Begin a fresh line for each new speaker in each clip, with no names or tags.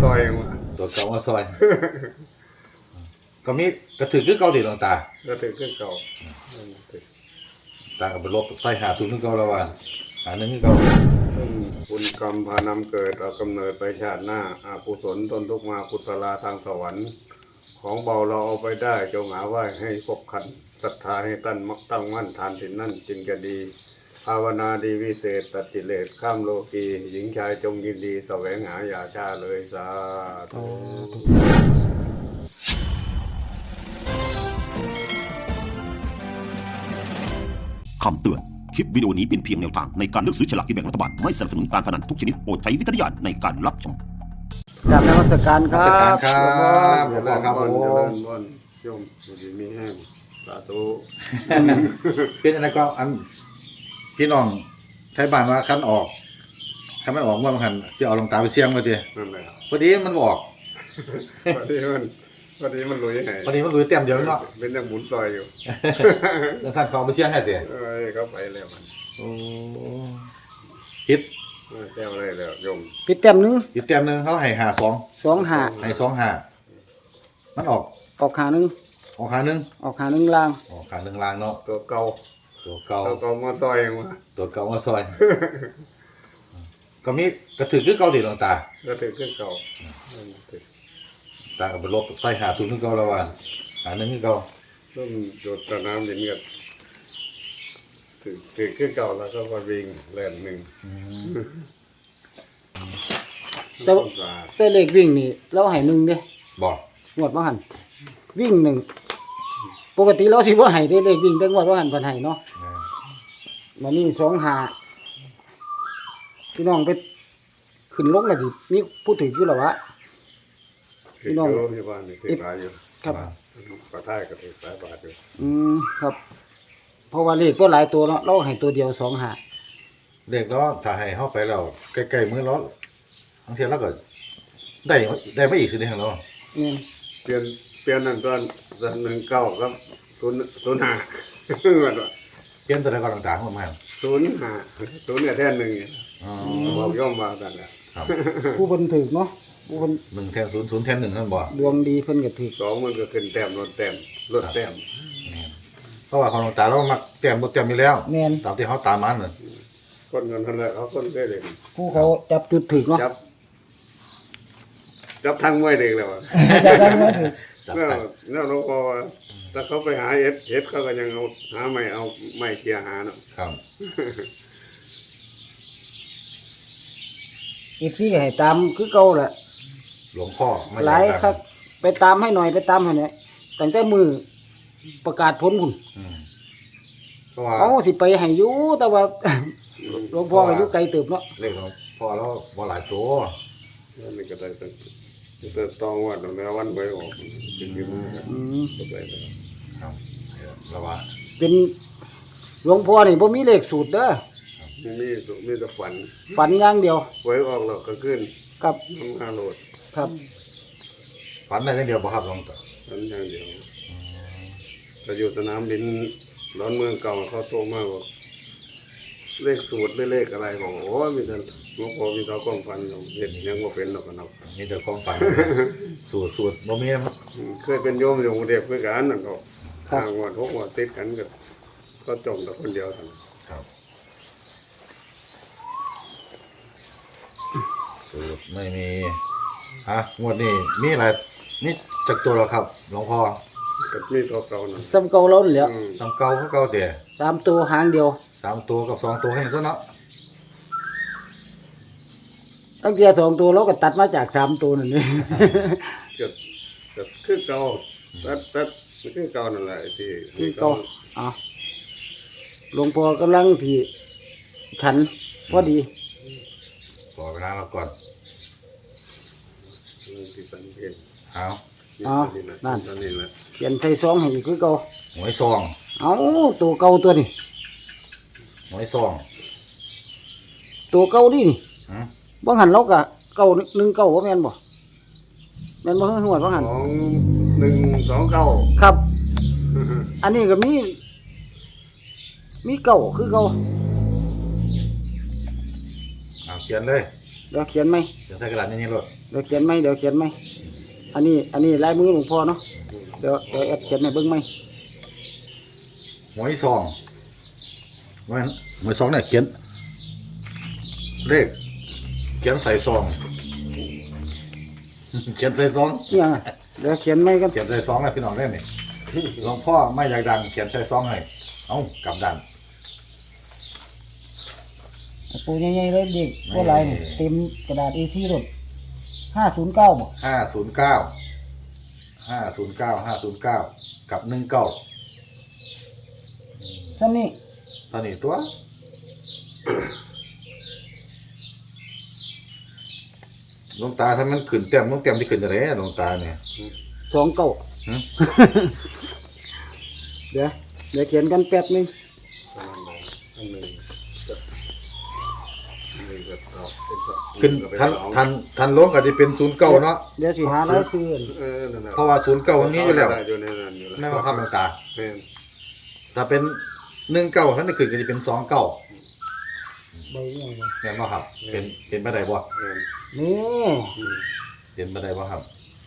ซอยมา
ตัวเก่ามาซอย ก็มีกระถือคือเก่าดิหลวงตา
ก็ถือขึ้นเก่า
ตากับไปลบใส่หาศูนย์คือเก่าแล้วว่าหาหนึ่งคือเก่า
ซึ่งบุญกรรมพานำเกิดเอากำเนิดไปชาติหน้าอากุศลตนทุกมากุศลาทางสวรรค์ของเบาเราเอาไปได้จงหาไหว้ให้ครบครันศรัทธาให้ตั้งมั่นทานสินนั่นจึงจะดีภาวนาดีวิเศษตัดกิเลสข้ามโลกีหญิงชายจงยินดีแสวงหาอย่าช้าเลยสาธุ
คำเตือน คลิปวิดีโอนี้เป็นเพียงแนวทางในการเลือกซื้อฉลากกินแบ่งรัฐบาล ไม่สนับสนุนการพนันทุกชนิดโปรดใช้วิจารณญาณในการรับชม
กราบนมัสการค
มา
รับ
สการครับ
เจ
เดี๋ยว
ริ
นะ
ญ
ครับ
พ
ผ
รเจริ
ม
ญพรโยมอยู่ดีมีแห้งสาธุ
เป็นอะไรก็อันพี่น้องไทยบ้านว่าคันออกคันไม่ออกเมื่อมันคันจะเอาหลวงตาไปเสี่ยงมาที
นั่นแหละ
พอดีมันบอก
พอดีมันลุยให้
พอดีมันรู้เต็มเดียวเนาะ
เป็นยังหมุนซอยอยู่
แล้วท่านเขาเอาไปเสี่ยงให้เตี๋ย
เขาไปแล้วมัน
โอ้คิด
แก้วอะไรแล้วโยม
ปิดเต็มหนึง
อีกเต็มหนึงเขาให้หา2
2
ให้2 5มันออก
ออกขาหนึง
ออกขาหนึง
ออกขาหนึงล่าง
ออกขาหนึงลางเนาะ
ตัวเก่า
ตัวเก่า
ตัวเก่ามาซอยมา
ตัวเก่ามาซอย ก็มีกระถือคือเก่าดิหลวงตา
ก็ถือขึ้นเก่า
ตากับไปลบใส่หาศูนย์คือเก่าแล้วว่าหาหนึ่งคือเก่า
ซึ่งโดดตะน้ำดินกันถือขึ้นเก่าแล้วก็มาวิ่งแล่นหนึ่ง
แต่แต่เลขวิ่งนี่เราให้1เด้
บอก
งวดบ่หันวิ่ง1ปกติเราสิบ่ให้ได้เลขวิ่งแต่งวดบ่หันเพิ่นให้เนาะมานี่2 5พี่น้องไปขึ้นลงแล้วสิมีผู้ถืออยู่แล้ววะ
ถือโยมที่บ้านนี่ถือหลายอยู่
ครับ
กระท่ายก็ถือหลายบาทอยู่
ครับ เพราะว่าเลขก็หลายตัวเนาะเราให้ตัวเดียว2 5
เด็กแล้วถ้าให้เข้าไปแล้วใกล้ๆมือแล้วบางทีเราก็ได้ไม่อีกสิเดียวเรา
นี่
เปลี่ยนนั่นตอน19ครับ05เหมือนว่า
เปลี่ยนตัวใดก็ต่างๆของมัน
05เนี่ยแท่นหนึ่ง
อ๋อ
บอกย่อมมากันแหละ
ครับ
ผู้เพิ่นถือเนาะผู้เพิ่น
1แทน0 0แทน1นั่นบ่
ดวงดีเพิ่นก็ถือ
2มันก็ขึ้นแต้มลดแต้มลดแต้ม
เพราะว่าของหลวงตาเรามักแต้มบ่แต้มอยู่แล้ว
แม่น
ตามที่เขาตามมันน่ะ
คนกันนั่นแหละเขาคนได้เลย
ผู้เขาจับจุดถือเนาะ
จับทางมวยเด็กแล้วอะ
จับได้ไหมถือ
จับ
เนี่ย
ไป
เนี่ยหลวงพ่อว่าถ้าเขาไปหาเอสเขาก็ยังเอาหาไม่เอาไม่เชียร์หาเนาะ
ครับ
อีกที่ให้ตามคือเก่าแหละ
หลวงพ่อไม่
หลาย
ดัง
ครับ ไปตามให้หน่อยไปตามให้หน่อยตั้งแต่มือประกาศผลคุณ
อืมเพราะว่า
เขาสิไปให้อยู่แต่ว่า หลวงพ่อก็อยู่ไกลเติบเนาะ
เลขของพ่อเราบ่หลายตัว
นี่ก็ได้แต่ตองว่าตรงนี้วันไปออกเป็นอยืมกัน
อืม
ก็ได้แล้ว
ครับแล้วว่า
เป็นหลวงพ่อนี่บ่มีเลขสูตรเด้อ
มีแต่ฝัน
ฝันอย่างเดียว
ไว้ออกแล้วก็ขึ้น
กับ
ทำงานโหลด
ครับ
ฝันได้อย่างเดียวบ่ครับหลวงตา
ฝันอย่างเดียวแต่อยู่สนามบินร้อนเมืองเก่าเขาโตมากบอกเลขสูตรหรือเลขอะไรบอกโอ้ยมีแต่หลวงพ่อมีแต่ความฝันอยู่เห็นยังว่าเป็นหรอกกันเนาะ
มีแต่ความฝัน สูตรบ่มีนะครับ
เคยเป็นโยมอยู่กรุงเทพด้วยกันนั่นก็ทางวัน6 วันติดกันก็จมแต่คนเดียวทั้ง
ครับสูตรไม่มีฮะงวดนี้มีอะไรมีจักตัวแล้วครับหลวงพ่อ
ก็มีตัวเก่านั่น
ซ้ำเก่าเรานี่แหล้ว
สามเก่าคือเก่าเตี่ย
ตามตัวหางเดียว
3ตัวกับ2ตัวให้ตัวเนาะ
ตั้งแต่2ตัวเราก็ตัดมาจาก3ตัวนั่นนี่
ก็คือเก่าตัดคือเก่านั่นแหละที่
คือเก่าอ่ะหลวงพ่อกำลังที่ฉันพอดี
ขอเวลาเราก่อน
ที่สันเพน
เอา
นั่น
นี่แหละ
เขียนใส่ซองให้อีกคือเก่า
หวยซอง
เอาตัวเก่าตัวนี้
หวยซอง
ตัวเก่าดินี่
หืม
บ่หันเราก็เก่า1 9บ่แม่นบ่แม่นบ่ฮู้ว่าบ่หัน
2129
ครับ อันนี้ก็มีเก่าคือเก่า
เอาเขียนเลย
มเดี๋ยวเขียนไหม
เขียนใส่กระดาษนี่รถ
เดี๋ยวเขียนไหมอันนี้ลายมือหลวงพ่อเนาะเดี๋ยวแอดเขียนให้เบิ่งไหม
หวยซองว่าหวยซองเนี่ยเขียนเลขเขียนใส่ซอง เขียนใส่ซอง
นี่ยังเดี๋ยวเขียนไหมกัน
เขียนใส่ซองแล้วพี่น้องได้ไหมหลวงพ่อไม่อยากดังเขียนใส่ซองให้เอ้ากลับด้าน
ปูใหญ่ๆเลยเด็กว่าลายนี่เต็มกระดาษ A4 รถ509บ่
509กับ19
ซ้ำนี่
ตอนนี้ตัวหลวงตาถ้ามันขึ้นเต็มต้องเต็มที่ขึ้นจะไรหลวงตาเนี่ย
29
หึ
เดี๋ยวเขียนกันแป๊บนึง
อันหนึ่งก็เอาเป็นสอง
ขึ้น
ก็ไป
ทันลงก็จะเป็น09เนาะ
เดี๋ยวสิหารายชื่อ
นั่นแหละ
เพราะว่า09วันนี้อยู่แล้ว
อยู่ในนั้นอยู่แล้ว
ไม่ว่าครับหลวงตา
แม่น
ถ้าเป็น19ท่านจะขึ้นก็จะเป็น29
ใบยังบ่
แม่นบ่ครับเป็นไปได้บ่
แม่น
นี่
อืม
เป็นไปได้บ่ครับ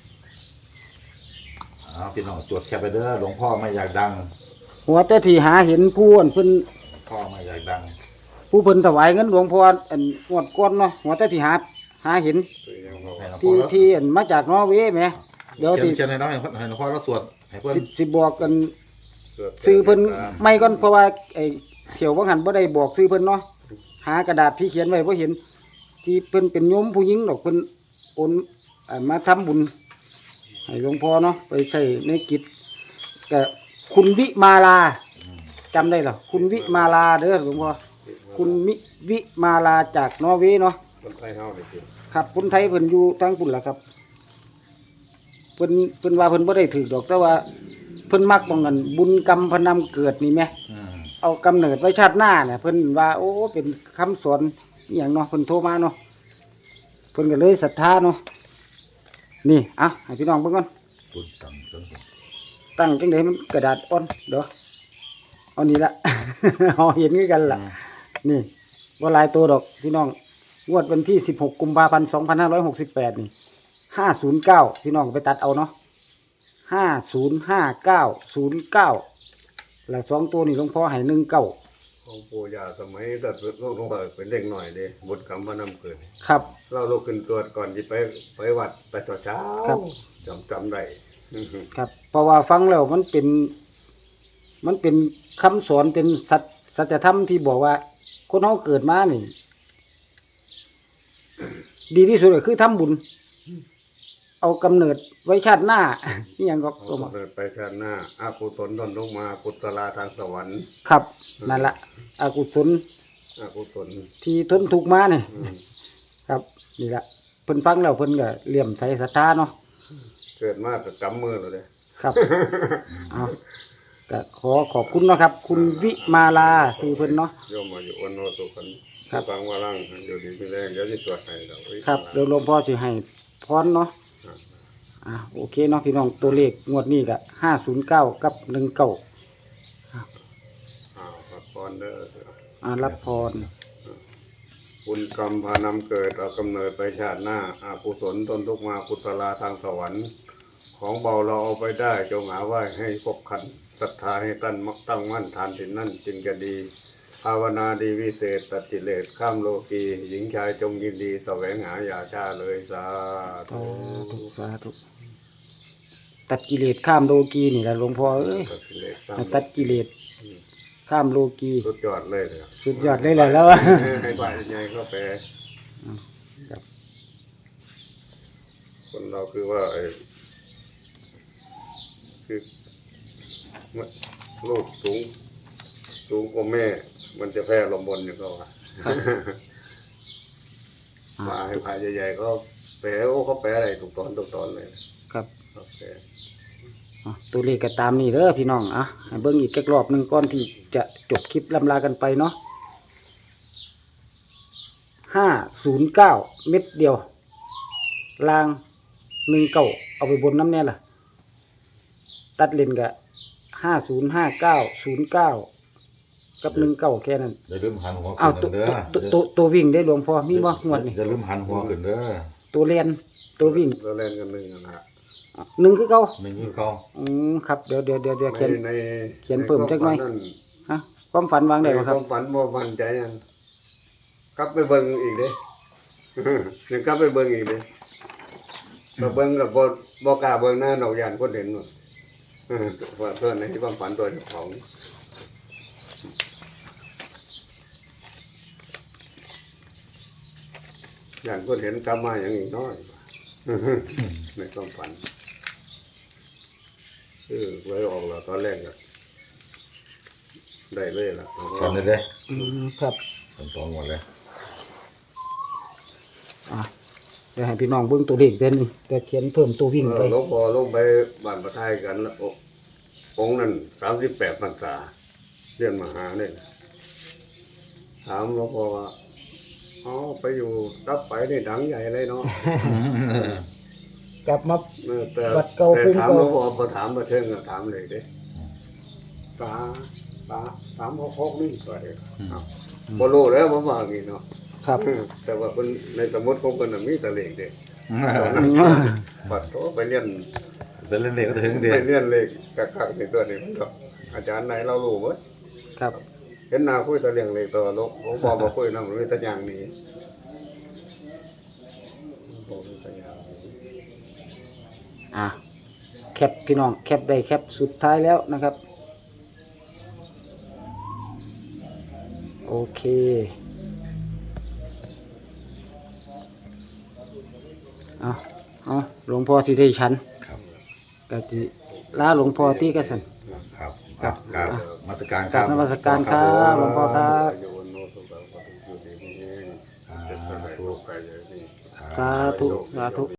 พี่น้องจดแคปไปเด้อหลวงพ่อไม่อยากดัง
หัวแต่ที่หาเห็นผู้อันเพิ่น
พ่อไม่อยากดัง
ผู้เพิ่นถวายเงินหลวงพ่ออันงวดก่อนเนาะหัวแต่ที่หาเห็น
ตัวอย่างเขา
ให้หลวงพ่
ที่
อแล้ว
ที่อันมาจากนอร์เวย์แหมเดี๋ยว
เขีย
สิ
นให้น้องให้หลวงพ่อแล้วสวดให้เพิ่น
สิบอกกัน
เกิด
ซื้อเพิ่นไม่ก่อนเพราะว่าไอ้เที่ยวว่าหันบ่ได้บอกซื้อเพิ่นเนาะหากระดาษที่เขียนไว้บ่เห็น ที่เพิ่นเป็นโยมผู้หญิงดอกเพิ่นโอนมาทำบุญให้หลวงพ่อเนาะไปใช้ในกิจก็คุณวิมาลาจำได้เหรอคุณวิมาลาเด้อหลวงพ่อคุณวิมาลาจากนอร์เวย์เนาะ
คนไทยเฮานี่สิ
ครับคนไทยเพิ่นอยู่ทางปุ่นล่ะครับเพิ่นว่าเพิ่นบ่ได้ถือดอกแต่ว่าเพิ่นมักบ่กันบุญกรรมพนำเกิดนี่แหม
อืม
เอากำเนิดไว้ชาติหน้าเนี่ยเพิ่นว่าโอ้เป็นคำสอนอหย่างเนาะเพิ่นโทรมาเนาะเพิ่นก็เลยศรัทธาเนาะนี่อ่ะให้พี่น้องเบิ่งก่อน
บุญตังจน
ตั้งจังได๋มันกระดาษอ่อนเด้อเอานี่ละ เอาเห็นคือกันล่ะนี่บ่หลายตัวดอกพี่น้องงวดวันที่16กุมภาพันธ์2568นี่509พี่น้องไปตัดเอาเนาะ505909แล้ว2ตัวนี่หลวงพ่อให้19
ของปู่ย่าสมัยแต่ลูกลงเป็นเด็กหน่อยเด้บุญกรรมพนำเกิด
ครับ
เราลุกขึ้นตรวจก่อนที่ไปวัดไปตอนเช้า
ครับ
จำได้
ครับเพราะว่าฟังแล้วมันเป็นคำสอนเป็นสัจธรรมที่บอกว่า คนเราเกิดมานี่ ดีที่สุดก็คือทำบุญ เอากำเนิดไว้ชาติหน้า นี่ยังก็
เขาเกิดไปชาติหน้าอากุศลตนลงมากุศลาทางสวรรค์
ครับนั่นละอกุศล
อากุศล
ที่ทนทุกข์มาเนี่ย
อืม
ครับนี่ละเพิ่นฟังแล้วเพิ่นก็เลี่ยมใสศรัทธาเนาะ
เกิดมากกับกำมือเราเลย
ครับ เอาก็ขอบคุณเนาะครับ คุณวิมาลาชื่อเพิ่นเนาะ
โยมมาอยู่วันโนสุขัน
ครับ
ฟังว่าร่างอยู่ดีไม่แรงเดี๋ยวจะตรวจให้เรา
ครับเดี๋ยวหลวงพ่อสิให้พรเนาะโอเคเนาะพี่น้องตัวเลขงวดนี้ก็509กับ19
ครับพรเด้อ
รับพร
บุญกรรมพานำเกิดเอากำเนิดไปชาติหน้าอากุศลตนทุกมากุศลาทางสวรรค์ ของเบาเราเอาไปได้จงหาไว้ให้ครบขันศรัทธาให้ตั้งมั่นทานสินนั่นจึงจะดี ภาวนาดีวิเศษตัดกิเลสข้ามโลกีหญิงชายจงยินดีแสวงหาอย่าช้าเลยสาธุ
สาธุตัดกิเลสข้ามโลกีนี่แหละหลวงพ่อเอ้ย
ตัดกิเลส
ให้ตัดกิเลสข้ามโลกี
สุดยอดเลยเลย
สุดยอดเลยแหละแล้ว
ให้ฝ่ายใหญ่เข้าไป
ครับ
คนเราคือว่าคือลูกสูงกว่าแม่ มันจะแพ้ลมบนอย่างก็ว่ามาให้ฝ่ายใหญ่ๆเขาแปลเขาแปลอะไรถูกตอนเลย
ครับ
โอเค
ตัวเลขก็ตามนี่เด้อพี่น้องให้เบิ่งอีกแค่รอบหนึงก่อนที่จะจบคลิปลำลากันไปเนาะ509เม็ดเดียวลาง19เอาไปบนน้ำแน่ล่ะตัดเลนก็505909 กับหนึ่งเก้าแค่นั้น
อย่าลืมหันหัว
อ้าว
ขึ้นเด้อ
ตัววิ่งได้หลวงพ่อมีบ่งวดนี่
อย่าลืมหันหัวขึ้นเด้อ
ตัวเรียนตัววิ่ง
เราเล่นกันหนึ่งนะ
หนึ่งคือเก่า
นี่คือเขา
ครับเดี๋ยวเขียน
ใน
เขียนเพิ่มจักหน่อย ฮะความฝันวางได้บ่
ค
ครั
วา
บ
มฝันบ่มั่นใจยังกลับไปเบิ่งอีกเด้ ยังกลับไปเบิ่งอีกเด้ก็เบิ่งกับบ่กล้าเบิ่งหน้าดอกยานคนเห็นหมดว่าเพิ่นในความฝันตัวเจ้าของอย่างคนเห็นกลับมาอย่างอีกน้อย ในความฝันไว้ออกแล้วตอนแรกก็ได้เลยล่ะ
ฝันได้เด้อ
ครับ
ฝันตองหมดเลย
อ่ะเดี๋ยวให้พี่น้องเบิ่งตัวเลขเด่นงเดี๋ยวเขียนเพิ่มตัววิ่งไป
หลวงพ่อลงไปบ้านประทายกันแล้วองค์นั้น38พรรษาเรียนมหาเนี่ยถามหลวงพ่อว่าอ๋อไปอยู่รับไปนี่ดังใหญ่เลยเนาะ
กลับมา
แต่
วัดเก่า
แต่
ภูมิ
ถาม
เก่า
หลวงพ่อพอถามมาเทิงก็ถามเลยเด้366นี่ไปบ่รู้แล้วผมว่าอย่างนี้เนาะ
ครับ
แต่ว่าคนในสมุดของคนน่ะมีแต่เลขเด็กปัดโตไปเรียน
เป็นเล่นเด็กก็ถึงเด็
ไป
ก
เรียนเลขกักๆในตัวนี้มันก็อาจารย์ไหนเรารู้หมด
ครับ
เห็นหน้าคุยแต่เรื่องเลขตัวลกผมบอกบ่คุยนำมีแต่อย่างนี้บอกมีแต่อย่างนี้
อ่ะแคปพี่น้องแคปได้แคปสุดท้ายแล้วนะครับ โอเคเอาหลวงพ่อสิได้ฉัน
ครับ
ก็สิลาหลวงพ่อที่กสัน
ครับครับมาสการ
กราบนมัสการครับหลวงพ่อครับ
โยนโนสุตังปฏิจุติมิเองเจ็บไปโรคไปอย่างนี้
สาธุสาธุ